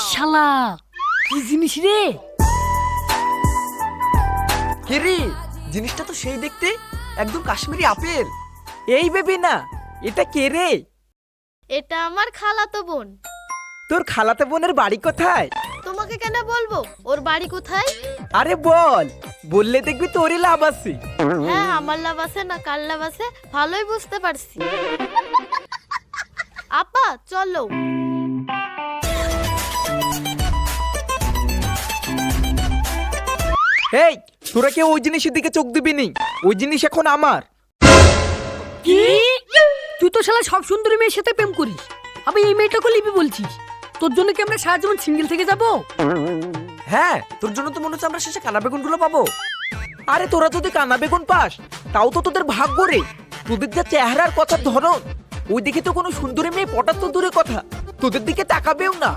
শালা কি জিনিস রে? কে রে? জিনিসটা তো সেই দেখতে একদম কাশ্মীরি আপেল। এই বেবি না, এটা কে রে? এটা আমার খালাতো বোন। তোর খালাতো বোনের বাড়ি কোথায়? তোমাকে কেন বলবো ওর বাড়ি কোথায়? আরে বল, বললে দেখবি তোরই লাভ আছে। হ্যাঁ, আমার লাভ আছে না কার লাভ আছে ভালোই বুঝতে পারছি। আপা চলো। এই, তোরা কেউ ওই জিনিসের দিকে চোখ দিবি নি, ওই জিনিস এখন আমার। কি? তুই তো শালা সব সুন্দরী মেয়ের সাথে প্রেম করিস, আবার এই মেয়েটাকে লিবি বলছিস? তোর জন্য কি আমরা সারা জীবন সিঙ্গেল থেকে যাবো? হ্যাঁ, তোর জন্য তো মনে হচ্ছে আমরা শেষে কানা বেগুনগুলো পাবো। আরে তোরা যদি কানা বেগুন পাস তাও তো তোদের ভাগ্য রে। তোদের যা চেহারার কথার ধরন, ওই দিকে তো কোনো সুন্দরী মেয়ে পটার তো দূরে কথা, তোদের দিকে তাকাবেও না।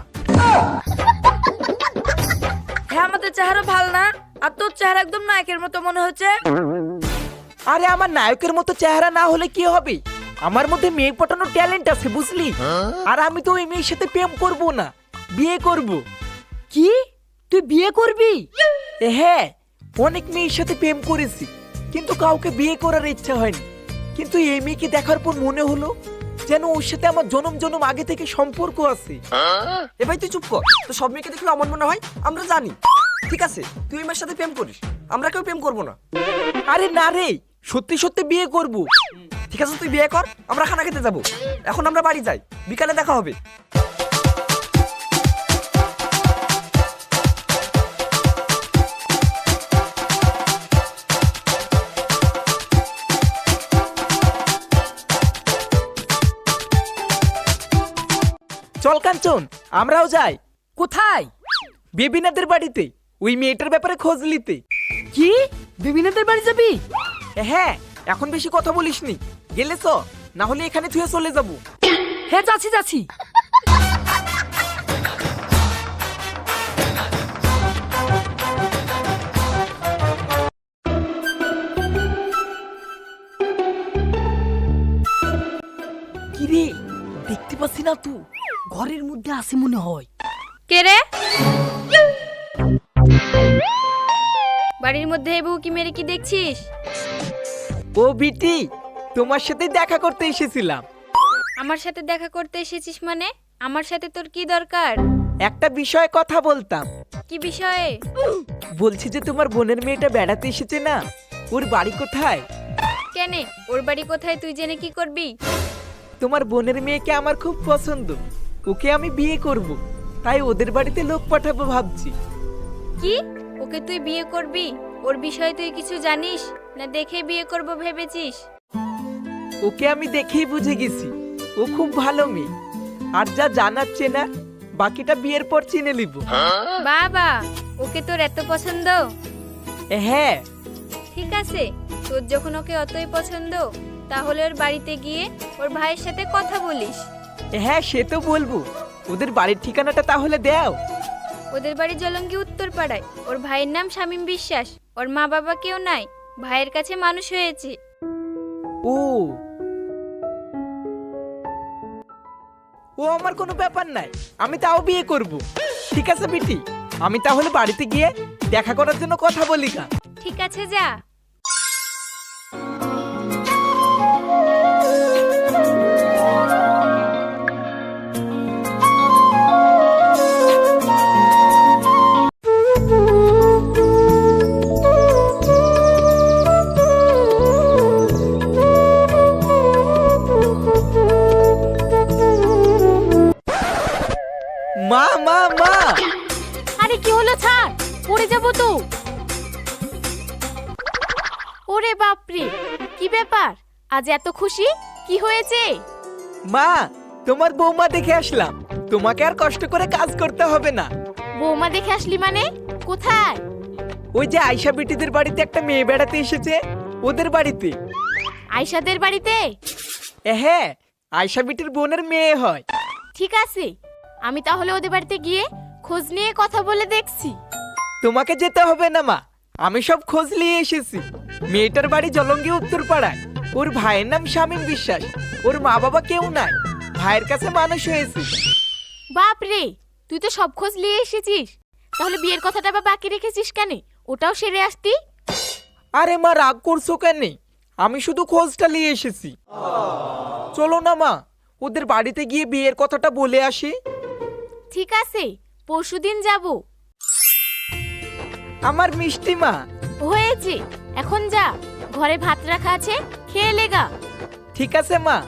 হ্যাঁ, আমাদের চেহারা ভালো না, আর তোর চেহারা একদম নায়কের মতো মনে হচ্ছে। আরে আমার নায়কের মতো চেহারা না হলে কি হবে, আমার মধ্যে মেয়ে পটানোর ট্যালেন্ট আছে বুঝলি। আর আমি তো ওই মেয়ের সাথে প্রেম করব না, বিয়ে করব। কি তুই বিয়ে করবি? হ্যাঁ, অনেক মেয়ের সাথে প্রেম করেছি, কিন্তু কাউকে বিয়ে করার ইচ্ছা হয়নি। কিন্তু এই মেয়েকে দেখার পর মনে হলো যেন ওর সাথে আমার জনম জনম আগে থেকে সম্পর্ক আছে। এ ভাই তুই চুপ কর, তো সব মেয়েকে দেখলে আমার মনে হয় আমরা জানি। ঠিক আছে, তুই এই মেয়ের সাথে প্রেম করিস, আমরা কেউ প্রেম করবো না। আরে না রে, সত্যি সত্যি বিয়ে করব। ঠিক আছে, তুই বিয়ে কর, আমরা খানা খেতে যাবো। এখন আমরা বাড়ি যাই, বিকালে দেখা হবে। চল কাঞ্চন, আমরাও যাই। কোথায়? বেবিনাদের বাড়িতে, ওই মেয়েটার ব্যাপারে খোঁজ নিতে। কি বেবিনাদের বাড়ি যাবি? হ্যাঁ, এখন বেশি কথা বলিসনি, গেলে চ, না হলে এখানে থুয়ে চলে যাবো। হ্যাঁ যাচ্ছি যাচ্ছি। কি রে, দেখতে পাচ্ছি না তো? ঘরের মধ্যে আছে মনে হয়। কে রে? বাড়ির মধ্যে এই বউ কি মেরে কি দেখছিস? ও বিটি, তোমার সাথে দেখা করতে এসেছিলাম। আমার সাথে দেখা করতে এসেছিস মানে? আমার সাথে তোর কি দরকার? একটা বিষয়ে কথা বলতাম। কি বিষয়ে? বলছি যে তোমার বোনের মেয়েটা বেড়াতে এসেছে না, ওর বাড়ি কোথায়? কেনে ওর বাড়ি কোথায় তুই জেনে কি করবি? তোমার বোনের মেয়েকে আমার খুব পছন্দ, ওকে আমি বিয়ে করব, তাই ওদের বাড়িতে লোক পাঠাবো ভাবছি। কি? ওকে তুই বিয়ে করবি? ওর বিষয়ে তুই কিছু জানিস না দেখে বিয়ে করব ভেবেছিস? ওকে আমি দেখেই বুঝে গেছি, ও খুব ভালো মেয়ে। আর যা জানাচ্ছে না, বাকিটা বিয়ের পর চিনে নিব। বাবা, ওকে তোর এত পছন্দ? হ্যাঁ। ঠিক আছে, তোর যখন ওকে অতই পছন্দ, তাহলে ওর বাড়িতে গিয়ে ওর ভাইয়ের সাথে কথা বলিস। হ্যাঁ, সে তো বলবো। ওদের বাড়ির ঠিকানাটা তাহলে দাও। ওদের বাড়ি জলঙ্গি উত্তর পাড়ায়। ওর ভাইয়ের নাম শামীম বিশ্বাস। ওর মা বাবা কেউ নাই, ভাইয়ের কাছে মানুষ হয়েছে। ও ও আমার কোনো ব্যাপার নাই, আমি তাও বিয়ে করব। ঠিক আছে বিটি, আমি তাহলে বাড়িতে গিয়ে দেখা করার জন্য কথা বলি কা। ঠিক আছে, যা। মা মা মা! আরে কি হলো, ছাড়, পড়ে যাবো তো। ওরে বাপরে, কি ব্যাপার, আজ এত খুশি, কি হয়েছে? মা, তোমার বৌমা দেখে আসলাম, তোমাকে আর কষ্ট করে কাজ করতে হবে না। বৌমা দেখে আসলি মানে? কোথায়? ওই যে আয়শা বিটিদের বাড়িতে একটা মেয়ে বেড়াতে এসেছে, ওদের বাড়িতে। আয়শাদের বাড়িতে? হ্যাঁ, আয়শা বিটির বোনের মেয়ে হয়। ঠিক আছে, আমি তাহলে ওদের বাড়িতে গিয়ে খোঁজ নিয়ে কথা বলে দেখছি। তোমাকে যেতে হবে না মা, আমি সব খোঁজ নিয়ে এসেছি। মেয়েটার বাড়ি জলঙ্গি উত্তর পাড়ায়, ওর ভাইয়ের নাম শামীম বিশ্বাস, ওর মা বাবা কেউ নাই, ভাইয়ের কাছে মানুষ হয়েছে। বাপ রে, তুই তো সব খোঁজ নিয়ে এসেছিস, তাহলে বিয়ের কথাটা আবার বাকি রেখেছিস কেন? ওটাও সেরে আসতি। আরে মা, রাগ করছো কেন? আমি শুধু খোঁজটা নিয়ে এসেছি। চলো না মা, ওদের বাড়িতে গিয়ে বিয়ের কথাটা বলে আসি। ঠিক আছে, পরশুদিন যাব। আমার মিষ্টি মা। হয়েছে, এখন যা, ঘরে ভাত রাখা আছে, খেয়ে লেগা। ঠিক আছে মা।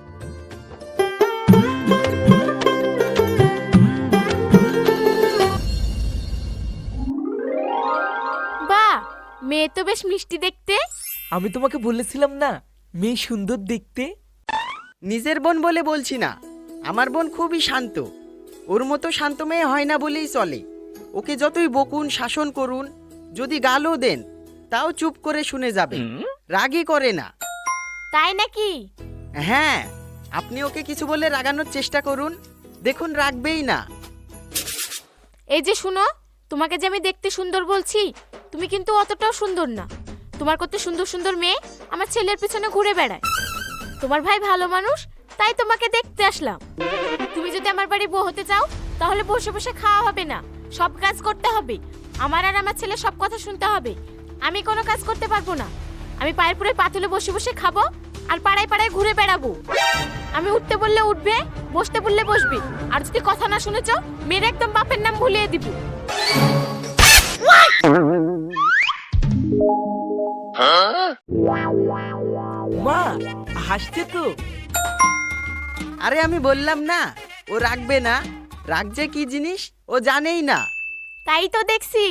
বাহ, মেয়ে তো বেশ মিষ্টি দেখতে। আমি তোমাকে বলেছিলাম না মেয়ে সুন্দর দেখতে। নিজের বোন বলে বলছি না, আমার বোন খুবই শান্ত। ওর মতো শান্ত মেয়ে হয় না বলেই চলে। ওকে যতই বকুন শাসন করুন, যদি গালও দেন তাও চুপ করে শুনে যাবে, রাগই করে না। তাই নাকি? হ্যাঁ, আপনি ওকে কিছু বলে রাগানোর চেষ্টা করুন, দেখুন রাগবেই না। এই যে শুনো, তোমাকে যে আমি দেখতে সুন্দর বলছি, তুমি কিন্তু অতটাও সুন্দর না। তোমার কত সুন্দর সুন্দর মেয়ে আমার ছেলের পিছনে ঘুরে বেড়ায়। তোমার ভাই ভালো মানুষ, তাই তোমাকে দেখতে আসলাম। তুমি যদি আমার বাড়ি বউ হতে চাও, তাহলে বসে বসে খাওয়া হবে না, সব কাজ করতে হবে। আমার আর আমার ছেলে সব কথা শুনতে হবে। আমি কোনো কাজ করতে পারবো না। আমি পায়ের পুরে পাতুলে বসে বসে খাবো আর পাড়ায় পাড়ায় ঘুরে বেড়াবো। আমি উঠতে বললে উঠবে, বসতে বললে বসবে, আর যদি কথা না শুনেছ মেয়ের একদম বাপের নাম ভুলিয়ে দিব। মা হাসছে তো। আরে আমি বললাম না ও রাগবে না, রাগ যে কি জিনিস ও জানেই না। তাই তো দেখছি।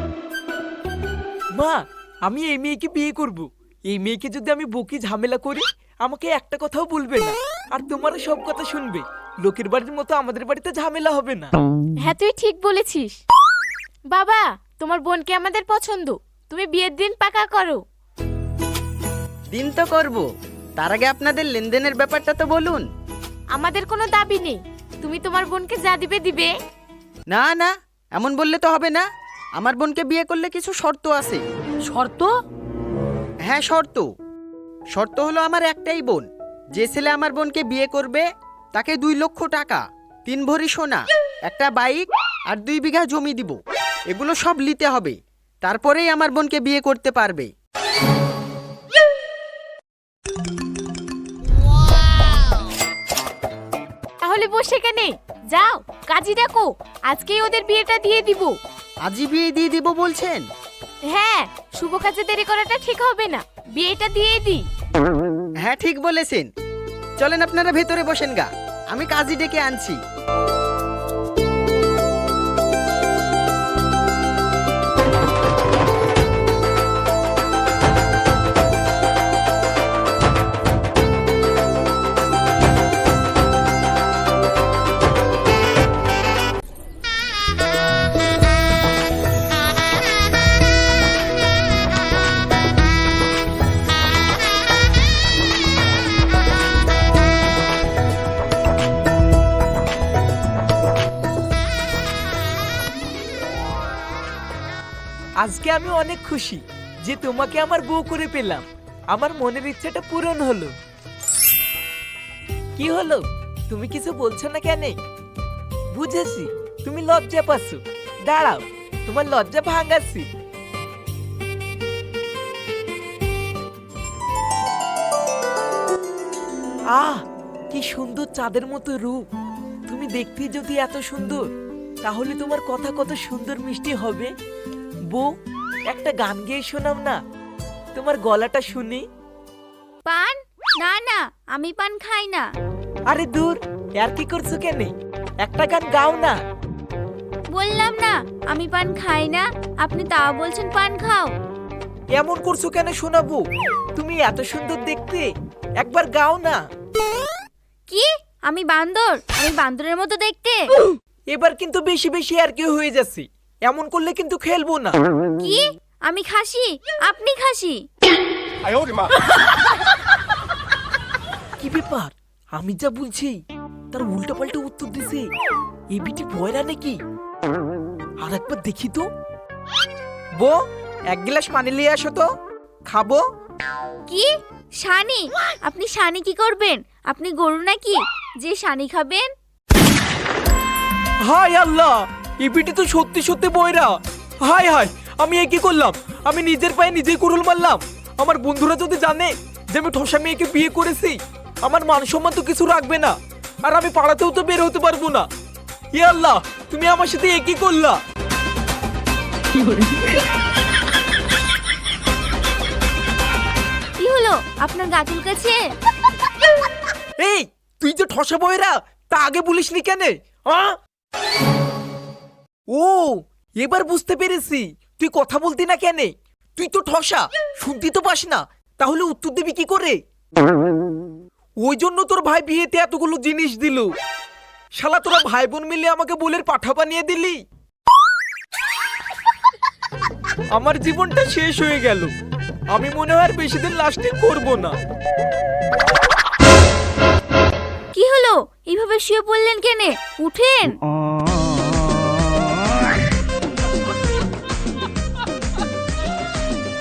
মা, আমি এই মেয়েকে বিয়ে করব। এই মেয়েকে যদি আমি বকি ঝামেলা করি, আমাকে একটা কথাও বলবে না, আর তোমারও সব কথা শুনবে। লোকের বাড়ির মতো আমাদের বাড়িতে ঝামেলা হবে না। হ্যাঁ, তুই ঠিক বলেছিস। বাবা, তোমার বোনকে আমাদের পছন্দ, তুমি বিয়ের দিন পাকা করো। দিন তো করব, তার আগে আপনাদের লেনদেনের ব্যাপারটা তো বলুন। আমাদের কোনো দাবি নেই, তুমি তোমার বোনকে যা দিবে দিবে। না না, এমন বললে তো হবে না। আমার বোনকে বিয়ে করলে কিছু শর্ত আছে। শর্ত? হ্যাঁ, শর্ত হলো আমার একটাই বোন। যে ছেলে আমার বোনকে বিয়ে করবে তাকে 2 লক্ষ টাকা, 3 ভরি সোনা, একটা বাইক আর 2 বিঘা জমি দিব। এগুলো সব নিতে হবে, তারপরেই আমার বোনকে বিয়ে করতে পারবে। তাহলে বসে কেনে যাও, কাজী ডাকো, আজকেই ওদের বিয়েটা দিয়ে দিব। আজই বিয়ে দিয়ে দিব বলছেন? হ্যাঁ, শুভ কাজে দেরি করাটা ঠিক হবে না, বিয়েটা দিয়ে দিই। হ্যাঁ, ঠিক বলেছেন। চলেন আপনারা ভেতরে বসেন গা, আমি কাজী ডেকে আনছি। আজকে আমি অনেক খুশি যে তোমাকে আমার বউ করে পেলাম। আমার মনের ইচ্ছাটা পূরণ হলো। কি হলো, তুমি কিছু বলছো না কেন? বুঝেছি, তুমি লজ্জা পাচ্ছ। দাঁড়াও, তোমার লজ্জা ভাঙাচ্ছি। আহ, কি সুন্দর চাঁদের মতো রূপ। তুমি দেখতে যদি এত সুন্দর, তাহলে তোমার কথা কত সুন্দর মিষ্টি হবে। বউ, একটা গান গেয়ে শোনাও না, তোমার গলাটা শুনি। পান? না না, আমি পান খাই না। আরে দূর, আর কি করছো কেন? একটা গান গাও না। বললাম না আমি পান খাই না, আপনি তাও বলছেন পান খাও। এমন করছো কেন শোনাবো? তুমি এত সুন্দর দেখতে, একবার গাও না। কি? আমি বান্দর? আমি বান্দরের মতো দেখতে? এবার কিন্তু বেশি বেশি আর কি হয়ে যাচ্ছে। এমন করলে কিন্তু খেলবো না। কি? আমি খাসি? আপনি খাসি? কি ব্যাপার, আমি যা বলছি তার উল্টা পাল্টা উত্তর দিছে। এ বিটি পয়রা নাকি? আর একবার দেখি তো। বউ, 1 গ্লাস পানি নিয়ে আসো তো, খাবো। কি? শানি? আপনি শানি কি করবেন? আপনি গরু নাকি যে শানি খাবেন? হায় আল্লাহ, এই বিটি তো সত্যি সত্যি বয়রা। হায় হায়, আমি এ কি করলাম? আমি নিজের পায়ে নিজেই কুড়ুল মারলাম। আমার বন্ধুরা যদি জানে যে আমি ঠসা মেয়েকে বিয়ে করেছি, আমার মান সম্মান তো কিছু রাখবে না, আর আমি পাড়াতেও তো বের হতে পারবো না। ইয়া আল্লাহ, তুমি আমার সাথে এ কি করলা? কি হলো, আপনার গা চুলকাছে? এই, তুই যে ঠসা বয়রা, তা আগে বলিসনি কেন? ও, এবার বুঝতে পেরেছি তুই কথা বলতি না কেন। তুই তো ঠসা, শুনতি তো পাস না, তাহলে উত্তর দিবি কি করে? ওই জন্য তোর ভাই বিয়েতে এতগুলো জিনিস দিল। শালা তোরা ভাই বোন মিলে আমাকে বলের পাঠা বানিয়ে দিলি। আমার জীবনটা শেষ হয়ে গেল। আমি মনে হয় আর বেশি দিন লাস্টিং করবো না। কি হলো, এইভাবে শুয়ে পড়লেন কেনে? উঠেন।